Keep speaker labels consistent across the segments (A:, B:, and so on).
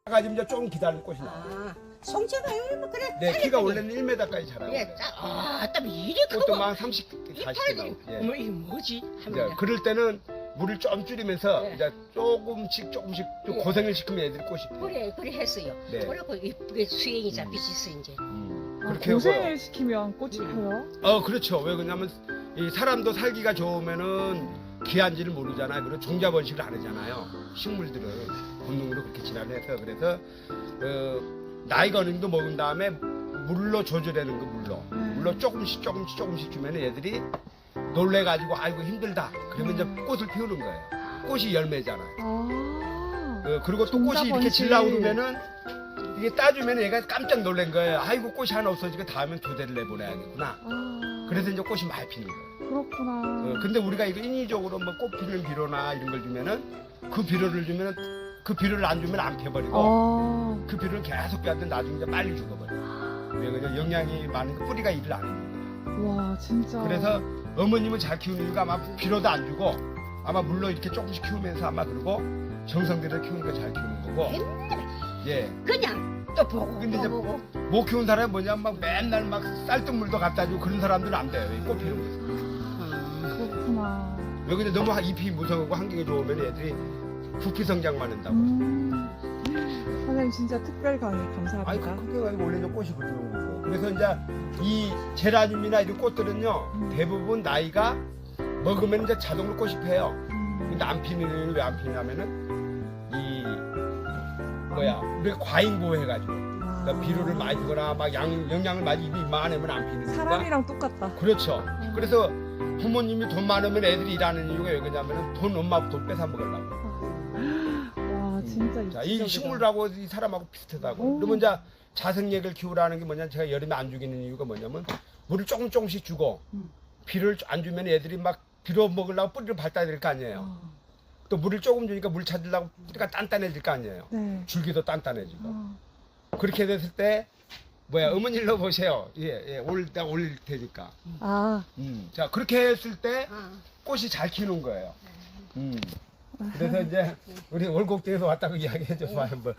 A: 가지고 이제 좀 기다리는 꽃이 나와요.
B: 아, 송채가 뭐 그래.
A: 네, 키가 원래는 1m까지 자라요.
B: 예, 딱 이리
A: 그것도
B: 크고.
A: 막 30, 40개 나오고. 예.
B: 뭐 이게 뭐지?
A: 이제
B: 합니다.
A: 그럴 때는 물을 좀 줄이면서
B: 네.
A: 이제 조금씩 좀
B: 예.
A: 고생을 시키면 애들이 꽃이 피어요.
B: 그래 했어요.
A: 네.
B: 그래고 이쁘게 수행이 잡히셨어 이제.
A: 그렇게
C: 고생을
A: 하고요.
C: 시키면 꽃이 펴요?
A: 그렇죠. 왜 그러냐면 이 사람도 살기가 좋으면은 귀한지를 모르잖아요. 그리고 종자 번식을 안 하잖아요. 식물들은 본능으로 그렇게 진화해서 그래서 나이가 어느 정도 먹은 다음에 물로 조절하는 거 물로 조금씩 주면 애들이 놀래가지고 아이고 힘들다. 그러면 이제 꽃을 피우는 거예요. 꽃이 열매잖아요. 그리고 또
C: 종자
A: 꽃이 이렇게
C: 번식.
A: 질라고 그러면은 이게 따주면 얘가 깜짝 놀란 거예요. 아이고 꽃이 하나 없어지고 다음엔 두 대를 내보내야겠구나. 그래서 이제 꽃이 많이 피는 거예요.
C: 그렇구나.
A: 근데 우리가 이거 인위적으로 뭐 꽃 피는 비료나 이런 걸 주면은 그 비료를 주면은 그 비료를 안 주면 안 펴버리고 그 비료를 계속 빼는데 나중에 이제 빨리 죽어버려요. 왜 그냥 영양이 많은 거 뿌리가 일을 안 해요.
C: 와 진짜.
A: 그래서 어머님은 잘 키우는 이유가 아마 비료도 안 주고 아마 물로 이렇게 조금씩 키우면서 아마 그리고 정성들여 키우니까 잘 키우는 거고. 예.
B: 그냥 또 보고
A: 근데
B: 또
A: 이제
B: 보고.
A: 못 키운 사람이 뭐냐면 막 맨날 막 쌀뜨물도 갖다 주고 그런 사람들은 안 돼요. 이 꽃 피는 거에서.
C: 그렇구나.
A: 여기는 너무 잎이 무성하고 환경이 좋으면 애들이 부피 성장만 한다고.
C: 선생님 진짜 특별 강의
A: 아니
C: 감사합니다.
A: 그게 원래 저 꽃이 그런 거고. 그래서 이제 이 제라늄이나 이런 꽃들은요 대부분 나이가 먹으면 이제 자동으로 꽃이 펴요. 근데 안 피는 이유는 왜 안 피냐면은 이 우리 과잉 보호해가지고 그러니까 비료를 많이 주거나 막 영양을 많이 입이 많으면 안 피는 거니까.
C: 사람이랑 똑같다.
A: 그렇죠. 그래서 부모님이 돈 많으면 애들이 일하는 이유가 왜 그러냐면 돈 엄마 돈 뺏어 먹으려고.
C: 와 진짜
A: 자, 이
C: 이치적이다.
A: 식물하고 이 사람하고 비슷하다고. 그러면 이제 자생액을 키우라는 게 뭐냐, 제가 여름에 안 죽이는 이유가 뭐냐면 물을 조금씩 주고 비료를 안 주면 애들이 막 비료 먹으려고 뿌리를 밟아야 될 거 아니에요. 또 물을 조금 주니까 물 찾으려고 뿌리가 단단해질 거 아니에요.
C: 네.
A: 줄기도 단단해지고. 그렇게 됐을 때 어머니로 보세요. 예, 내가 올릴 테니까. 자, 그렇게 했을 때 꽃이 잘 키우는 거예요. 그래서 이제 우리 월곡동에서 왔다고 이야기해줘서 한번.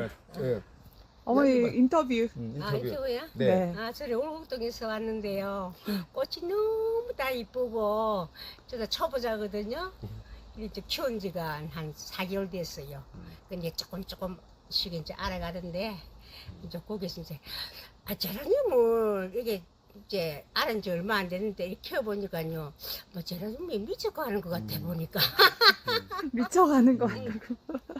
C: 어머니 인터뷰.
B: 아,
A: 인터뷰.
B: 이거야?
A: 네.
B: 아, 저희 월곡동에서 왔는데요. 꽃이 너무 다 이쁘고, 저도 초보자거든요. 이제 키운 지가 한 4개월 됐어요. 근데 조금씩 이제 알아가는데, 이제 거기서 이제, 제라늄을 이게 이제 알은 지 얼마 안 됐는데, 이렇게 키워보니까요, 뭐 제라늄이 미쳐가는 것 같아, 보니까.
C: 미쳐가는 거 같다고.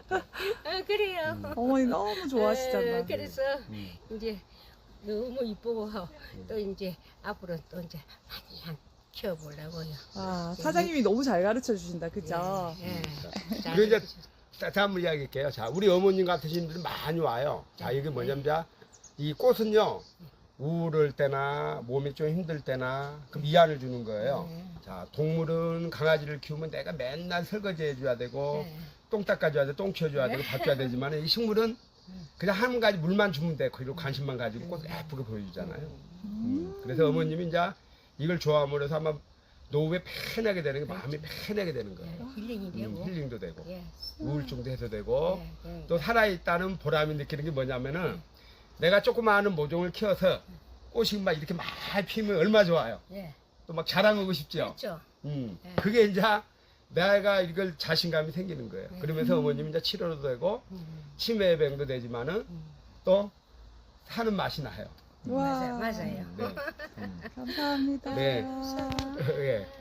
B: 그래요.
C: 어머니 너무 좋아하시잖아.
B: 그래서 이제 너무 이쁘고 또 이제 앞으로 또 이제 많이 키워보려고요.
C: 사장님이 너무 잘 가르쳐 주신다, 그죠?
A: 그리고 이제 자, 한번 이야기할게요. 자, 우리 어머님 같으신 분들 많이 와요. 자, 이게 뭐냐면, 자, 이 꽃은요, 우울할 때나 몸이 좀 힘들 때나 그 위안을 주는 거예요. 자, 동물은 강아지를 키우면 내가 맨날 설거지 해줘야 되고, 똥 닦아줘야 돼, 똥 치워줘야 되고, 밥 줘야 되지만, 이 식물은 그냥 한 가지 물만 주면 돼. 그리고 관심만 가지고 꽃을 예쁘게 보여주잖아요. 그래서 어머님이 이제 이걸 좋아함으로 해서 아마 노후에 편하게 되는 게 마음이 편하게 되는 거예요.
B: 힐링이 되고.
A: 힐링도 되고,
B: 예.
A: 우울증도 해소되고,
B: 예.
A: 또 살아있다는 보람이 느끼는 게 뭐냐면은 내가 조그마한 모종을 키워서 꽃이 막 이렇게 많이 피면 얼마나 좋아요.
B: 예.
A: 또 막 자랑하고 싶죠.
B: 그렇죠.
A: 그게 이제 내가 이걸 자신감이 생기는 거예요. 그러면서 어머님이 이제 치료도 되고 치매 예방도 되지만은 또 사는 맛이 나요.
C: 와.
B: 맞아요.
A: 네.
C: 감사합니다.
A: 네. 예.